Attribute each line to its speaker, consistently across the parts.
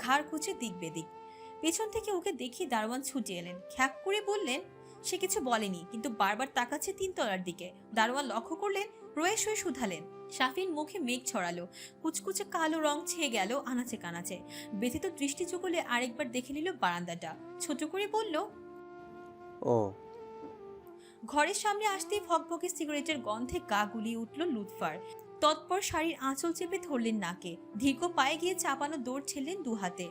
Speaker 1: ঘাড় কুচে দিক বেদিক। পেছন থেকে ওকে দেখে দারোয়ান ছুটে এলেন, খ্যাক করে বললেন। সে কিছু বলেনি, কিন্তু বারবার তাকাচ্ছে তিনতলার দিকে। দারোয়ান লক্ষ্য করলেন, রয়ে শুয়ে শুধালেন। শাফিন মুখে মেঘ ছড়ালো, কুচকুচে কালো রং ছেয়ে গেল আনাচে কানাচে। ব্যথিত দৃষ্টি চুকলে আরেকবার দেখে নিল বারান্দাটা, ছোট করে বলল,
Speaker 2: ও।
Speaker 1: ঘরের সামনে আসতেই ফকফকে সিগারেটের গন্ধে গা গুলিয়ে উঠল লুৎফার। তৎপর শাড়ির আঁচল চেপে ধরলেন নাকে, ধীর্ঘ পায়ে গিয়ে চাপানো দৌড় ছেড়লেন দু হাতে।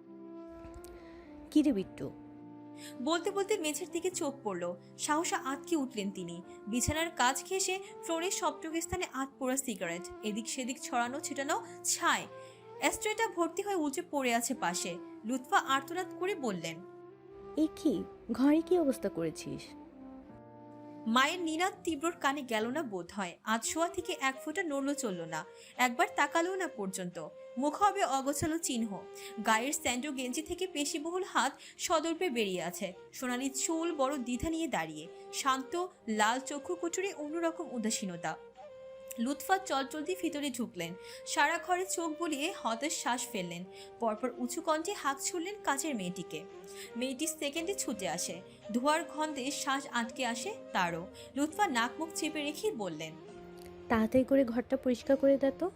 Speaker 3: কিরে বিট্টু?
Speaker 1: বলতে বলতে মেঝের দিকে চোখ পড়ল, সাহসা আটকে উঠলেন তিনি। বিছানার কাজ ঘেঁষে ফ্লোরের সবটুকু স্থানে আত পোড়া সিগারেট, এদিক সেদিক ছড়ানো ছিটানো ছাই। অ্যাস্ট্রেটা ভর্তি হয়ে উঁচে পড়ে আছে পাশে। লুৎফা আর্তনাদ করে বললেন,
Speaker 3: এ কি, ঘরে কি অবস্থা করেছিস?
Speaker 1: মায়ের নিনাদ তীব্রর কানে গেল না বোধ হয়। আজ শোয়া থেকে এক ফোঁটা নড়ল চলল না, একবার তাকালো না পর্যন্ত। মুখ হবে অগোছালো চিহ্ন, গায়ের স্যান্ডো গেঞ্জি থেকে পেশিবহুল হাত সদর্পে বেরিয়ে আছে। সোনালি চুল বড় দ্বিধা নিয়ে দাঁড়িয়ে, শান্ত লাল চক্ষু কুচুরে অন্যরকম উদাসীনতা। লুৎফা চলচলতি ভিতরে ঢুকলেন, সারা ঘরে চোখ বুলিয়ে হতাশ শ্বাস ফেললেন। পরপর উঁচু কণ্ঠে হাঁক ছুড়লেন কাজের মেয়েটিকে। মেয়েটি সেকেন্ডে ছুটে আসে, ধোয়ার গন্ধে শ্বাস আটকে আসে তারও। লুৎফা নাক মুখ চেপে রেখেই বললেন,
Speaker 3: তাড়াতাড়ি করে ঘরটা পরিষ্কার করে দে তো।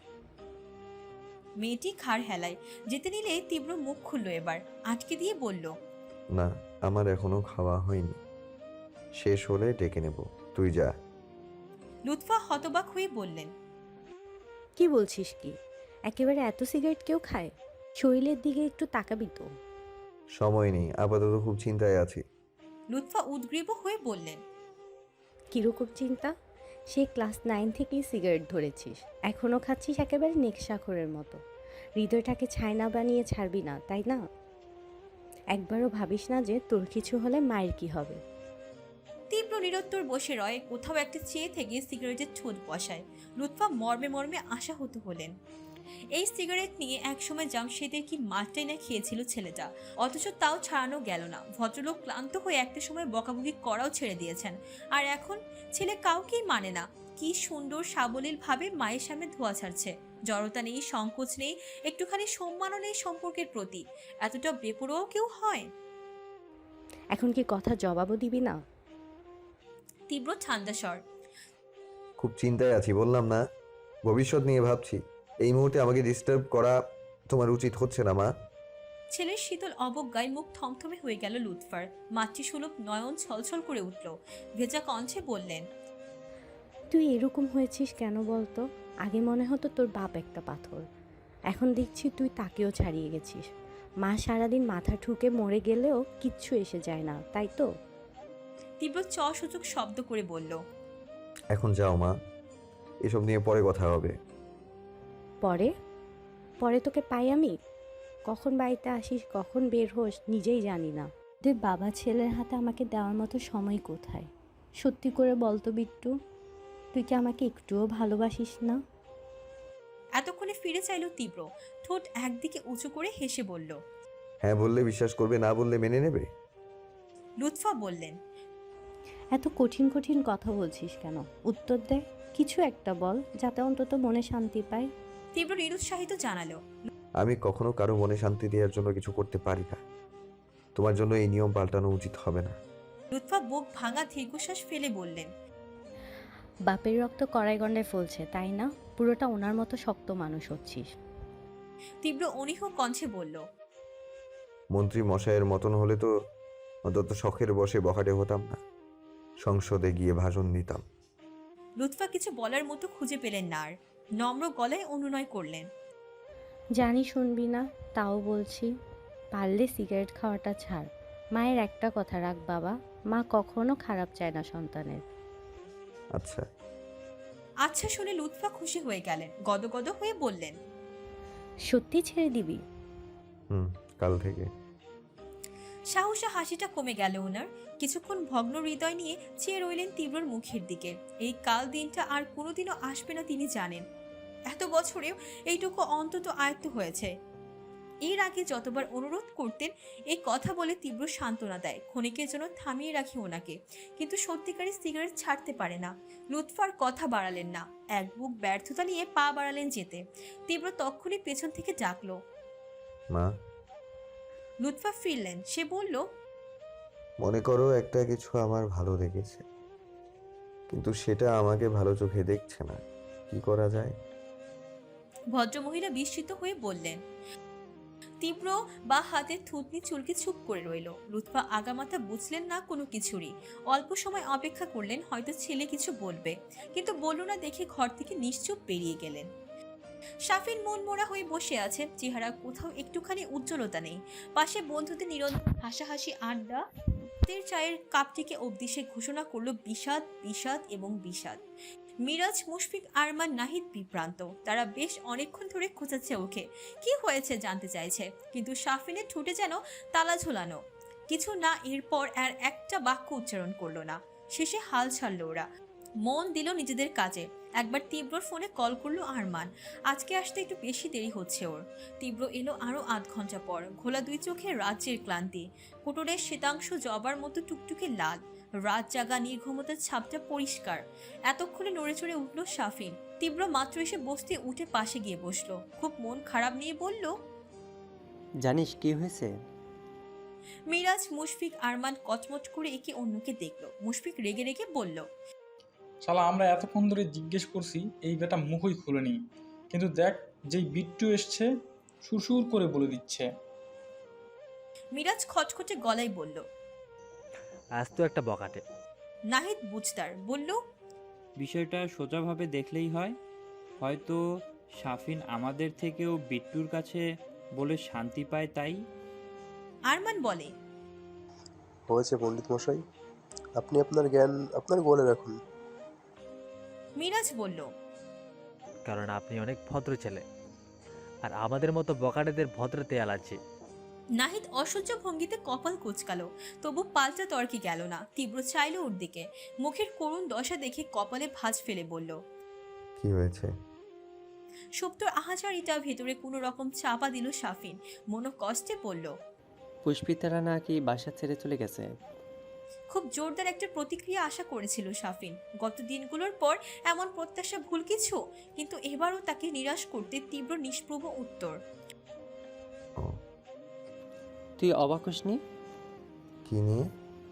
Speaker 1: মেয়েটি ঘাড় হেলায়। যেতে নিলে তীব্র মুখ খুলল এবার, আটকে দিয়ে বলল,
Speaker 2: না, আমার এখনো খাওয়া হয়নি, শেষ হলে ডেকে নেব, তুই যা।
Speaker 1: লুৎফা হতবাক হয়ে বললেন,
Speaker 3: কি বলছিস কি? একেবারে এত সিগারেট কেউ খায়? শরীরের দিকে একটু তাকাবি তো।
Speaker 2: সময় নেই, আপাতত খুব চিন্তায় আছি।
Speaker 1: লুৎফা উদ্গ্রীব হয়ে বললেন,
Speaker 3: কিরকম চিন্তা? সে ক্লাস 9 থেকেই সিগারেট ধরেছিস, এখনও খাচ্ছিস একেবারে নেকশাখরের মতো। হৃদয়টাকে ছাই বানিয়ে ছাড়বি না, তাই না? একবারও ভাবিস না যে তোর কিছু হলে মায়ের কি হবে?
Speaker 1: তীব্র নিরুত্তর বসে রয়, কোথাও একটা চেয়ে থেকে সিগারেটের ঠোঁট বসায়। লুৎফা মর্মে মর্মে আশাহত হলেন। এই সিগারেট নিয়ে একসময় জামশেদের কি মাঠটাই না খেয়েছিল ছেলেটা, অথচ তাও ছাড়ানো গেল না। ভদ্রলোক ক্লান্ত হয়ে একটা সময় বকাবকি করাও ছেড়ে দিয়েছেন, আর এখন ছেলে কাউকেই মানে না। কি সুন্দর সাবলীল ভাবে মায়ের সামনে ধোয়া ছাড়ছে, জড়তা নেই, সংকোচ নেই, একটুখানি সম্মানও নেই সম্পর্কের প্রতি। এতটা বেপরোয়াও কেউ হয়?
Speaker 3: এখন কি কথা জবাবও দিবি না?
Speaker 1: তীব্র ঠান্ডা স্বর,
Speaker 2: খুব চিন্তায় আছি বললাম না, ভবিষ্যৎ নিয়ে ভাবছি। এই মুহূর্তে আমাকে ডিস্টার্ব করা তোমার উচিত হচ্ছে না মা।
Speaker 1: ছেলের শীতল অবজ্ঞায় মুখ থমথমে হয়ে গেল লুৎফার। মাতৃসুলভ নয়ন ছলছল করে উঠল, ভেজা কণ্ঠে বললেন,
Speaker 3: তুই এরকম হয়েছিস কেন বলতো? আগে মনে হতো তোর বাপ একটা পাথর, এখন দেখছি তুই তাকেও ছাড়িয়ে গেছিস। মা সারাদিন মাথা ঠুকে মরে গেলেও কিচ্ছু এসে যায় না, তাই তো?
Speaker 1: তীব্র সূচক শব্দ করে বলল,
Speaker 2: এখন যাও মা, এসব নিয়ে পরে কথা হবে।
Speaker 3: পরে? পরে তোকে পাই আমি? কখন বাড়িতে আসিস, কখন বের হোস নিজেই জানি না। তুই বাবা ছেলের হাতে আমাকে দেওয়ার মতো সময় কোথায়? সত্যি করে বলতো বিট্টু, তুই কি আমাকে একটুও ভালোবাসিস না?
Speaker 1: এতক্ষণে ফিরে চাইল তীব্র, ঠোঁট একদিকে উঁচু করে হেসে বলল।
Speaker 2: হ্যাঁ বললে বিশ্বাস করবে, না বললে মেনে নেবে।
Speaker 1: লুৎফা বললেন,
Speaker 3: এত কঠিন কঠিন কথা বলছিস কেন? উত্তর দে, কিছু একটা বল, যাতে অন্তত মনে শান্তি পায়।
Speaker 1: তীব্র নিরুৎসাহিত জানালো,
Speaker 2: আমি কখনো কারো মনে শান্তি দেওয়ার জন্য কিছু করতে পারি না। তোমার জন্য এই নিয়ম পাল্টানো উচিত হবে না।
Speaker 1: লুৎফা বুক ভাঙা দীর্ঘশ্বাস ফেলে বললেন,
Speaker 3: বাপের রক্ত কড়াই গন্ডায় ফলছে, তাই না? পুরোটা ওনার মতো শক্ত মানুষ হচ্ছিস।
Speaker 1: তীব্র অনীহ কণ্ঠে বলল,
Speaker 2: মন্ত্রী মশাইয়ের মতন হলে তো অন্তত শখের বসে বখাটে হতাম না, সংসদে গিয়ে ভাষণ দিতাম।
Speaker 1: লুৎফা কিছু বলার মতো খুঁজে পেলেন না আর, নম্র গলায় অনুনয় করলেন,
Speaker 3: জানি শুনবি না, তাও বলছি, পারলে সিগারেট খাওয়াটা ছাড়। মায়ের একটা কথা রাখ বাবা, মা কখনো খারাপ চায় না সন্তানের।
Speaker 2: আচ্ছা।
Speaker 1: আচ্ছা শুনে লুৎফা খুশি হয়ে গেলেন, গদগদ হয়ে বললেন,
Speaker 3: সত্যি ছেড়ে দিবি?
Speaker 2: কাল থেকে।
Speaker 1: সাহসা হাসিটা কমে গেল ওনার। কিছুক্ষণ ভগ্ন হৃদয় নিয়ে চেয়ে রইলেন তীব্রর মুখের দিকে। এই কাল দিনটা আর কোনোদিনও আসবে না তিনি জানেন। এত বছরেও এইটুকু অন্তত আয়ত্ত হয়েছে। এর আগে যতবার অনুরোধ করতেন এই কথা বলে তীব্র সান্ত্বনা দেয়, ক্ষণিকের জন্য থামিয়ে রাখি ওনাকে, কিন্তু সত্যিকারের সিগারেট ছাড়তে পারে না। লুৎফার কথা বাড়ালেন না, এক বুক ব্যর্থতা নিয়ে পা বাড়ালেন যেতে। তীব্র তক্ষুনি পেছন থেকে ডাকলো,
Speaker 2: মা,
Speaker 1: লুৎফা ফিরলেন। সে বলল,
Speaker 2: মনে করো একটা কিছু আমার ভালো লেগেছে, কিন্তু সেটা আমাকে ভালো চোখে দেখছে না, কি করা যায়?
Speaker 1: ভদ্রমহিলা বিস্মিত হয়ে বললেন। তীব্র বা হাতের থুতনি চুলকে চুপ করে রইল। লুৎফা আগামাথা বুঝলেন না কোনো কিছুরই। অল্প সময় অপেক্ষা করলেন, হয়তো ছেলে কিছু বলবে, কিন্তু বলল না দেখে ঘর থেকে নিশ্চুপ বেরিয়ে গেলেন। শাফিন মন মোড়া হয়ে বসে আছে, চেহারা কোথাও একটুখানি উজ্জ্বলতা নেই। পাশে বন্ধুদের নিরন্তর হাসাহাসি আড্ডা। রাতের চায়ের কাপটিকে অবধি সে ঘোষণা করলো বিষাদ, বিষাদ এবং বিষাদ। মিরাজ, মুশফিক, আরমান, নাহিদ বিভ্রান্ত। তারা বেশ অনেকক্ষণ ধরে খোঁচাচ্ছে ওকে, কি হয়েছে জানতে চাইছে, কিন্তু শাফিনের ঠোঁটে যেন তালা ঝোলানো। কিছু না, এরপর আর একটা বাক্য উচ্চারণ করলো না। শেষে হাল ছাড়ল ওরা, মন দিল নিজেদের কাজে। একবার তীব্রর ফোনে কল করলো আরমান। আজকে আসতে একটু বেশি দেরি হচ্ছে ওর। তীব্র এলো আরো 8 ঘন্টা পর, ঘোলা দুই চোখে রাজ্যের ক্লান্তি, কোটরের শ্বেতাংশ জবার মতো টুকটুকে লাল। রাত জাগা নির্ঘুমতার ছাপটা পরিষ্কার। এতক্ষণে নড়ে চড়ে উঠল শাফিন। তীব্র মাত্র এসে বসতে উঠে পাশে গিয়ে বসলো, খুব মন খারাপ নিয়ে বলল।
Speaker 4: জানিস কি হয়েছে?
Speaker 1: মিরাজ, মুশফিক, আরমান কচমচ করে একে অন্যকে দেখলো। মুশফিক রেগে রেগে বলল,
Speaker 5: শালা আমরা এতক্ষণ ধরে জিজ্ঞেস করছি, এই বেটা মুখই খুলেনি, কিন্তু দেখ যেই বিট্টু এসছে সুরসুর করে বলে দিচ্ছে।
Speaker 1: মিরাজ খচখচে গলায় বলল।
Speaker 6: আজ তো একটা বকাটে।
Speaker 1: নাহিদ বুঝতার বলল,
Speaker 7: বিষয়টা সোজাভাবে দেখলেই হয়, হয়তো শাফিন আমাদের থেকেও বিট্টুর কাছে বলে শান্তি পায় তাই।
Speaker 1: আরমান বলে,
Speaker 8: হয়েছে পণ্ডিত মশাই, আপনি আপনার জ্ঞান আপনার গোলে রাখুন।
Speaker 1: মিরাজ বলল,
Speaker 6: কারণ আপনি অনেক ভদ্র ছেলে, আর আমাদের মতো বকাটেদের ভদ্রতে অ্যালার্জি।
Speaker 1: নাহিদ অসহ্য ভঙ্গিতে কপাল কুঁচকালো, তবু পাল্টা তর্কে গেল না। তীব্র চাইল ওর দিকে, মুখের করুণ দশা দেখে কপালে ভাঁজ ফেলে বলল।
Speaker 2: কি হয়েছে?
Speaker 1: সুপ্তর আহাজারিটা ভেতরে কোনো রকম চাপা দিল শাফিন, মনো কষ্টে বলল।
Speaker 4: পুষ্পিতারা নাকি বাসা ছেড়ে চলে গেছে।
Speaker 1: খুব জোরদার একটা প্রতিক্রিয়া আশা করেছিল শাফিন। গত দিনগুলোর পর এমন প্রত্যাশা ভুল কিছু, কিন্তু এবারও তাকে নিরাশ করতে তীব্র নিষ্প্রভ উত্তর।
Speaker 2: ও,
Speaker 4: তুই অবাক হসনি?
Speaker 2: কি নিয়ে?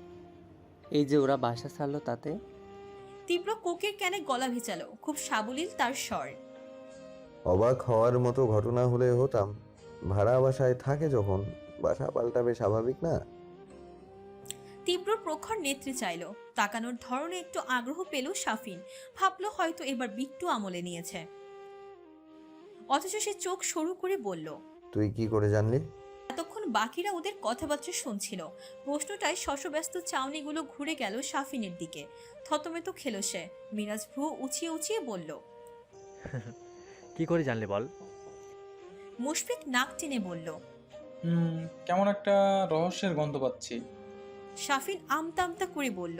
Speaker 4: এই যে ওরা বাসা ছাড়লো তাতে।
Speaker 1: তীব্র কোকের ক্যানে গলা ভেজালো, খুব সাবলীল তার স্বর।
Speaker 2: অবাক হওয়ার মতো ঘটনা হলে হতাম, ভাড়া বাসায় থাকে যখন বাসা পাল্টাবে স্বাভাবিক না?
Speaker 1: তীব্র প্রখর নেত্রে চাইল, তাকানোর ধরনে একটু আগ্রহ পেল শাফিন। ভাবলো হয়তো এবার বিট্টু আমলে নিয়েছে, অথচ সে চোখ সরু করে বলল।
Speaker 2: তুই কি করে জানলি?
Speaker 1: এতক্ষণ বাকিরা ওদের কথাবার্তা শুনছিল। প্রশ্নটায় শশব্যস্ত চাউনিগুলো ঘুরে গেল শাফিনের দিকে। থতমেত খেল সে। মিরাজ ভ্রু উঁচিয়ে উঁচিয়ে বলল।
Speaker 6: কি করে জানলে বল?
Speaker 1: মুশফিক নাক টেনে বলল।
Speaker 5: কেমন একটা রহস্যের গন্ধ পাচ্ছি।
Speaker 1: শাফিন আমতা আমতা করে বলল।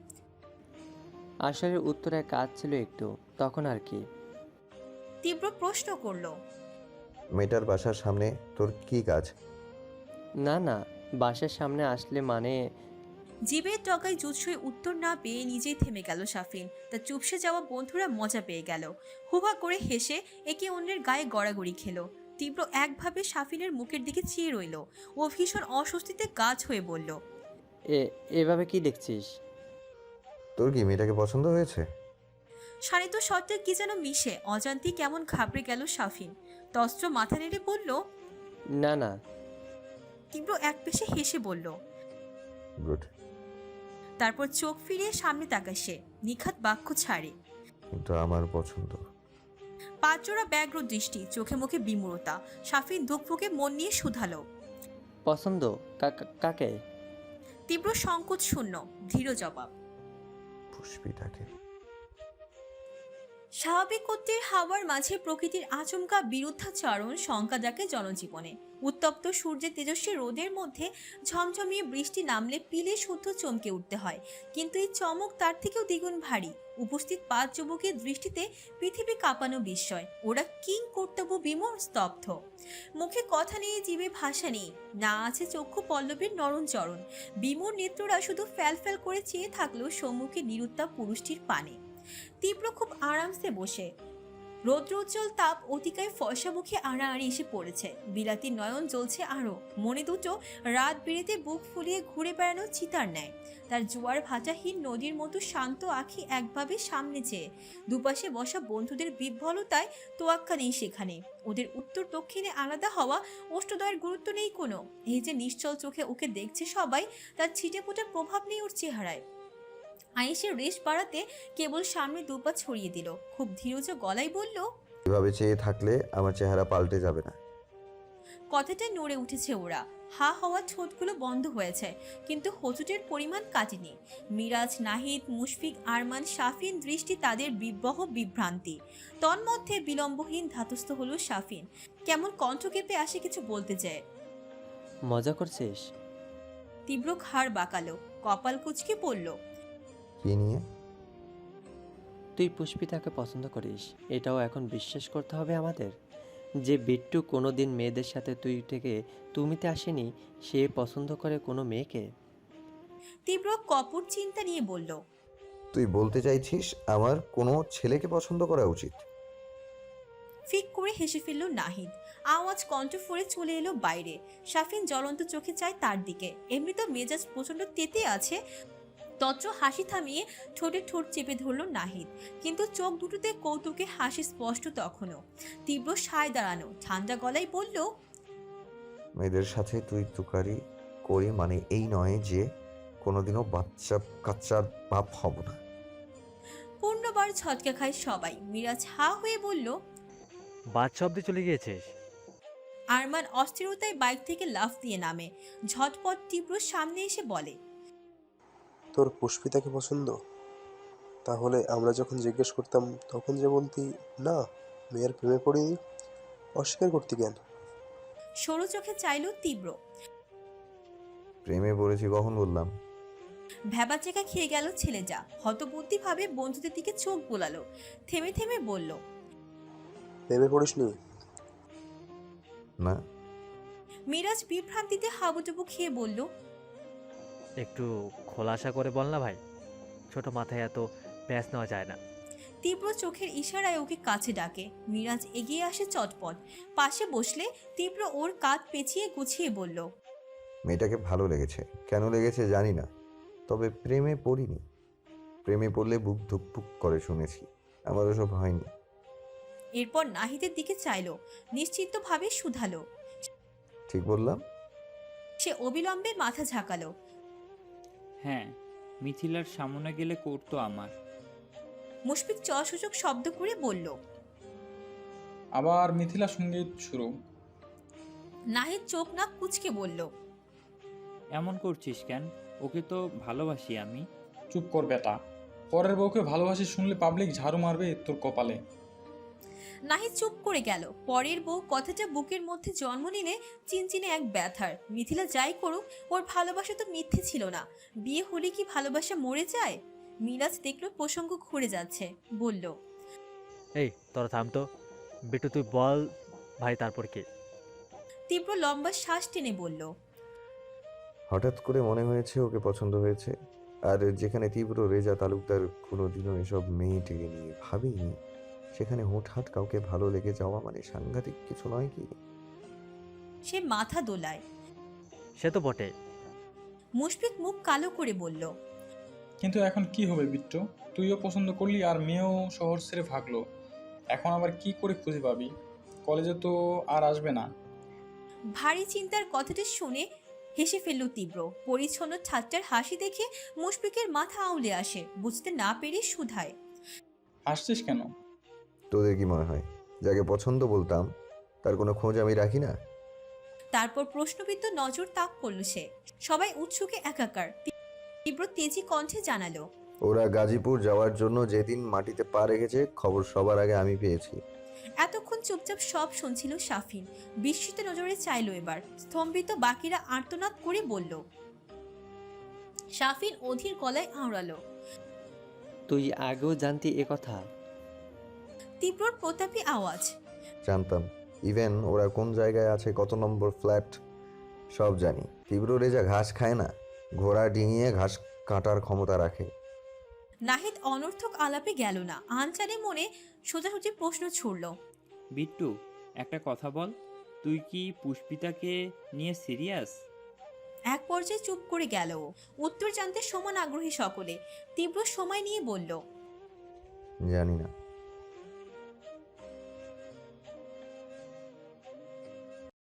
Speaker 4: আসলে উত্তরে কাজ ছিল একটু, তখন আর কি।
Speaker 1: তীব্র প্রশ্ন করলো।
Speaker 2: মেয়েটার বাসার সামনে তোর কি কাজ?
Speaker 4: না না, বাসার সামনে আসলে মানে।
Speaker 1: জীবের টকায় জুৎসই উত্তর না পেয়ে নিজেই থেমে গেল শাফিন। তার চুপসে যাওয়া বন্ধুরা মজা পেয়ে গেল, হুহা করে হেসে একে অন্যের গায়ে গড়াগড়ি খেলো। তীব্র একভাবে শাফিনের মুখের দিকে চেয়ে রইল। ও ভীষণ অস্বস্তিতে গাছ হয়ে বলল।
Speaker 4: এভাবে কি দেখছিস?
Speaker 2: তোর কি মেয়েটাকে পছন্দ হয়েছে?
Speaker 1: শানিত শর্তে কি যেন মিশে অজান্তি কেমন ঘাবড়ে গেল শাফিন। তস্ত্র মাথা নেড়ে বলল।
Speaker 4: না না।
Speaker 1: তীব্র এক পেশে হেসে বলল।
Speaker 2: গুড।
Speaker 1: তারপর চোখ ফিরিয়ে সামনে তাকায় সে, নিখাত বাক্য ছাড়ে।
Speaker 2: কিন্তু আমার পছন্দ।
Speaker 1: পাঁচজোড়া ব্যগ্র দৃষ্টি, চোখে মুখে বিমূঢ়তা। শাফিন ধুকফুকে মন নিয়ে শুধালো।
Speaker 4: পছন্দ? কাকে?
Speaker 1: তীব্র সংকোচ শূন্য ধীর জবাব।
Speaker 2: পুষ্পিটাকে।
Speaker 1: স্বাভাবিক গতির হাওয়ার মাঝে প্রকৃতির আচমকা বিরুদ্ধাচরণ শঙ্কা ডাকে জনজীবনে। উত্তপ্ত সূর্যের তেজস্বী রোদের মধ্যে ঝমঝমিয়ে বৃষ্টি নামলে পিলে শুদ্ধ চমকে উঠতে হয়, কিন্তু এই চমক তার থেকেও দ্বিগুণ ভারী। উপস্থিত 5 যুবকের দৃষ্টিতে পৃথিবী কাঁপানো বিস্ময়। ওরা কিং কর্তব্য বিমোর স্তব্ধ। মুখে কথা নেই, জীবে ভাষা নেই, না আছে চক্ষু পল্লবের নরম চরণ। বিমোর নেত্ররা শুধু ফ্যাল করে চেয়ে থাকলো সম্মুখে নিরুত্তাপ পুরুষটির পানে। তীব্র খুব আরামসে বসে, রৌদ্রোজ্জ্বল তাপ অতিকায় ফর্সা মুখে আড়াআড়ি এসে পড়েছে। বিলাতি নয়ন জ্বলছে আরো, মনে দুটো রাত বেড়েতে বুক ফুলিয়ে ঘুরে বেড়ানো চিতার ন্যায়। তার জোয়ার ভাটাহীন নদীর মতো শান্ত আঁখি একভাবে সামনে চেয়ে। দুপাশে বসা বন্ধুদের বিহ্বলতায় তোয়াক্কা নেই সেখানে। ওদের উত্তর দক্ষিণে আলাদা হওয়া অষ্টদয়ের গুরুত্ব নেই কোনো। এই যে নিশ্চল চোখে ওকে দেখছে সবাই, তার ছিটে ফোটা প্রভাব নেই ওর চেহারায়। আয়েশের রেশ বাড়াতে কেবল সামনে দুপা ছড়িয়ে দিল, খুব ধীরজ গলায় বলল,
Speaker 2: এভাবে চেয়ে থাকলে আমার চেহারা পাল্টে যাবে না।
Speaker 1: কথাটা নড়ে উঠেছে ওরা। হা হওয়া ঠোঁটগুলো বন্ধ হয়েছে, কিন্তু হোঁচটের পরিমাণ কাটেনি। মিরাজ, নাহিদ, মুশফিক, আরমান, শাফিন দৃষ্টি তাদের বিব্রহ বিভ্রান্তি। তন্মধ্যে বিলম্বহীন ধাতস্থ হলো শাফিন। কেমন কণ্ঠ কেঁপে আসে কিছু বলতে চায়।
Speaker 4: মজা করছিস?
Speaker 1: তীব্র ঘাড় বাঁকালো, কপাল কুঁচকে পড়ল,
Speaker 2: কি নিয়ে?
Speaker 4: তুই পুষ্পিতাকে পছন্দ করিস, এটাও এখন বিশ্বাস করতে হবে আমাদের? যে বিট্টু কোনো দিন মেয়েদের সাথে তুই থেকে তুমিতে আসেনি, সে পছন্দ করে কোনো মেয়েকে?
Speaker 1: তীব্র কপট চিন্তা নিয়ে বলল,
Speaker 2: তুই বলতে চাইছিস আমার কোনো ছেলেকে পছন্দ করা উচিত?
Speaker 1: ফিক করে হেসে ফেলল নাহিদ। আওয়াজ কণ্ঠ ফোরে চলে এলো বাইরে। শাফিন জ্বলন্ত চোখে চায় তার দিকে। এমনি তো মেজাজ প্রচন্ড তেতে আছে। তত্র হাসি থামিয়ে ঠোঁটে ঠোঁট চেপে ধরল নাহিদ, কিন্তু চোখ দুটোতে কৌতুকে হাসি স্পষ্ট তখনও। তীব্র সায় দাঁড়ানো, ঠান্ডা গলায় বলল,
Speaker 2: মেয়েদের সাথে তুই তুকারি করি মানে এই নয় যে কোনোদিনও বাচ্চা কাচ্চার বাপ হব না।
Speaker 1: পূর্ণবার ছটকা খায় সবাই। মিরাজ হা হয়ে বলল,
Speaker 6: বাচ্চা অব্দি চলে গিয়েছিস?
Speaker 1: আরমান অস্থিরতায় বাইক থেকে লাফ দিয়ে নামে। ঝটপট তীব্র সামনে এসে বলে,
Speaker 8: তোর পুষ্পিতাকে পছন্দ? তাহলে আমরা যখন জিজ্ঞেস করতাম তখন যে বলতি না, মেয়ের প্রেমে পড়িনি, অস্বীকার করতি কেন?
Speaker 1: সরু চোখে চাইল তীব্র।
Speaker 2: প্রেমে পড়েছি কখন বললাম?
Speaker 1: ভ্যাবাচেকা খেয়ে গেল ছেলেটা। হতবুদ্ধি ভাবে বন্ধুদের দিকে চোখ বোলালো, থেমে থেমে বলল,
Speaker 8: প্রেমে পড়িসনি?
Speaker 2: না।
Speaker 1: মিরাজ বিভ্রান্তিতে হাবুডুবু খেয়ে বলল,
Speaker 6: একটু খোলাসা করে বল না ভাই, ছোট মাথায় এত প্যাঁচ নেওয়া যায় না।
Speaker 1: তীব্র চোখের ইশারায় ওকে কাছে ডাকে। মিরাজ এগিয়ে আসে চটপট। পাশে বসলে তীব্র ওর কাঁধ পেঁচিয়ে গুছিয়ে বলল,
Speaker 2: মেয়েটাকে ভালো লেগেছে, কেন লেগেছে জানি না, তবে প্রেমে পড়িনি। প্রেমে পড়লে বুক ধুকপুক করে শুনেছি, আমার ওসব হয়নি।
Speaker 1: এরপর নাহিদের দিকে চাইল, নিশ্চিন্তভাবে শুধালো।
Speaker 2: ঠিক বললাম?
Speaker 1: সে অবিলম্বে মাথা ঝাঁকালো।
Speaker 7: হ্যাঁ, মিথিলার সামনে গেলে করতো আমার।
Speaker 1: মুশফিক চসূচক শব্দ করে বলল।
Speaker 5: আবার মিথিলা সঙ্গীত শুরু।
Speaker 1: নাহিদ চোখ নাক কুঁচকে বলল,
Speaker 7: এমন করছিস কেন? ওকে তো ভালোবাসি আমি।
Speaker 5: চুপ কর বেটা, পরের বউকে ভালোবাসি শুনলে পাবলিক ঝাড়ু মারবে তোর কপালে।
Speaker 1: নাহিদ চুপ করে গেল। পরের বউ কথাটা বুকের মধ্যে জন্ম নিলে চিনচিনে এক ব্যথার। মিথিলা যাই করুক, ওর ভালোবাসা তো মিথ্যে ছিল না। বিয়ে হলে কি ভালোবাসা মরে যায়? মিরাজ দেখলো প্রসঙ্গ ঘুরে যাচ্ছে, বলল,
Speaker 6: এই তোরা থাম তো, বিট্টু তুই বল ভাই, তারপর কি?
Speaker 1: তীব্র লম্বা শ্বাস টেনে বলল,
Speaker 2: হঠাৎ করে মনে হয়েছে ওকে পছন্দ হয়েছে। আর যেখানে তীব্র রেজা তালুকদার কোনোদিনও এসব মেয়েটিকে নিয়ে ভাবিনি, সেখানে হুটহাট কাউকে ভালো লেগে যাওয়া মানে সাংঘাতিক কিছু নয় কি?
Speaker 1: সে মাথা দোলায়।
Speaker 6: সে তো বটে।
Speaker 1: মুশফিক মুখ কালো করে বলল,
Speaker 5: কিন্তু এখন কি হবে বিট্টু? তুইও পছন্দ করলি আর মেয়েও শহর ছেড়ে ভাগলো। এখন আবার কি করে খুঁজে পাবি? কলেজে তো আর আসবে না।
Speaker 1: ভারী চিন্তার কথাটা শুনে হেসে ফেলল তীব্র। পরিচ্ছন্ন ঠাট্টার হাসি দেখে মুশফিকের মাথা আউলে আসে। বুঝতে না পেরে শুধায়,
Speaker 5: হাসছিস কেন?
Speaker 2: তোদের কি মনে হয় যাকে পছন্দ বলতাম তার কোনো খোঁজ আমি রাখি না?
Speaker 1: তারপর প্রশ্নবিদ্ধ নজর তাক করল সে। সবাই উৎসুকে একাকার। তীব্র তেজি কণ্ঠে জানালো,
Speaker 2: ওরা গাজীপুর যাওয়ার জন্য যেদিন মাটিতে পা রেখেছে খবর সবার আগে আমি পেয়েছি।
Speaker 1: এতক্ষণ চুপচাপ সব শুনছিল শাফিন। বিস্মিত নজরে চাইল এবার। স্তম্ভিত বাকিরা আর্তনাদ করে বলল। শাফিন অধীর গলায় আওড়ালো,
Speaker 4: তুই আগেও জানতি এ কথা?
Speaker 1: তীব্রর প্রতাপী আওয়াজ,
Speaker 2: জানতাম। ইভেন ওরা কোন জায়গায় আছে, কত নম্বর ফ্ল্যাট, সব জানি। তীব্র রেজা ঘাস খায় না, ঘোড়া ডিঙিয়ে ঘাস কাটার ক্ষমতা রাখে।
Speaker 1: নাহিদ অনর্থক আলাপে গেল না, আনচানে মনে সোজাসুজি প্রশ্ন ছুড়ল।
Speaker 7: বিট্টু, একটা কথা বল, তুই কি পুষ্পিতাকে নিয়ে সিরিয়াস?
Speaker 1: এক পর্যায়ে চুপ করে গেল ও। উত্তর জানতে সমান আগ্রহী সকলে। তীব্র সময় নিয়ে বলল,
Speaker 2: জানি না।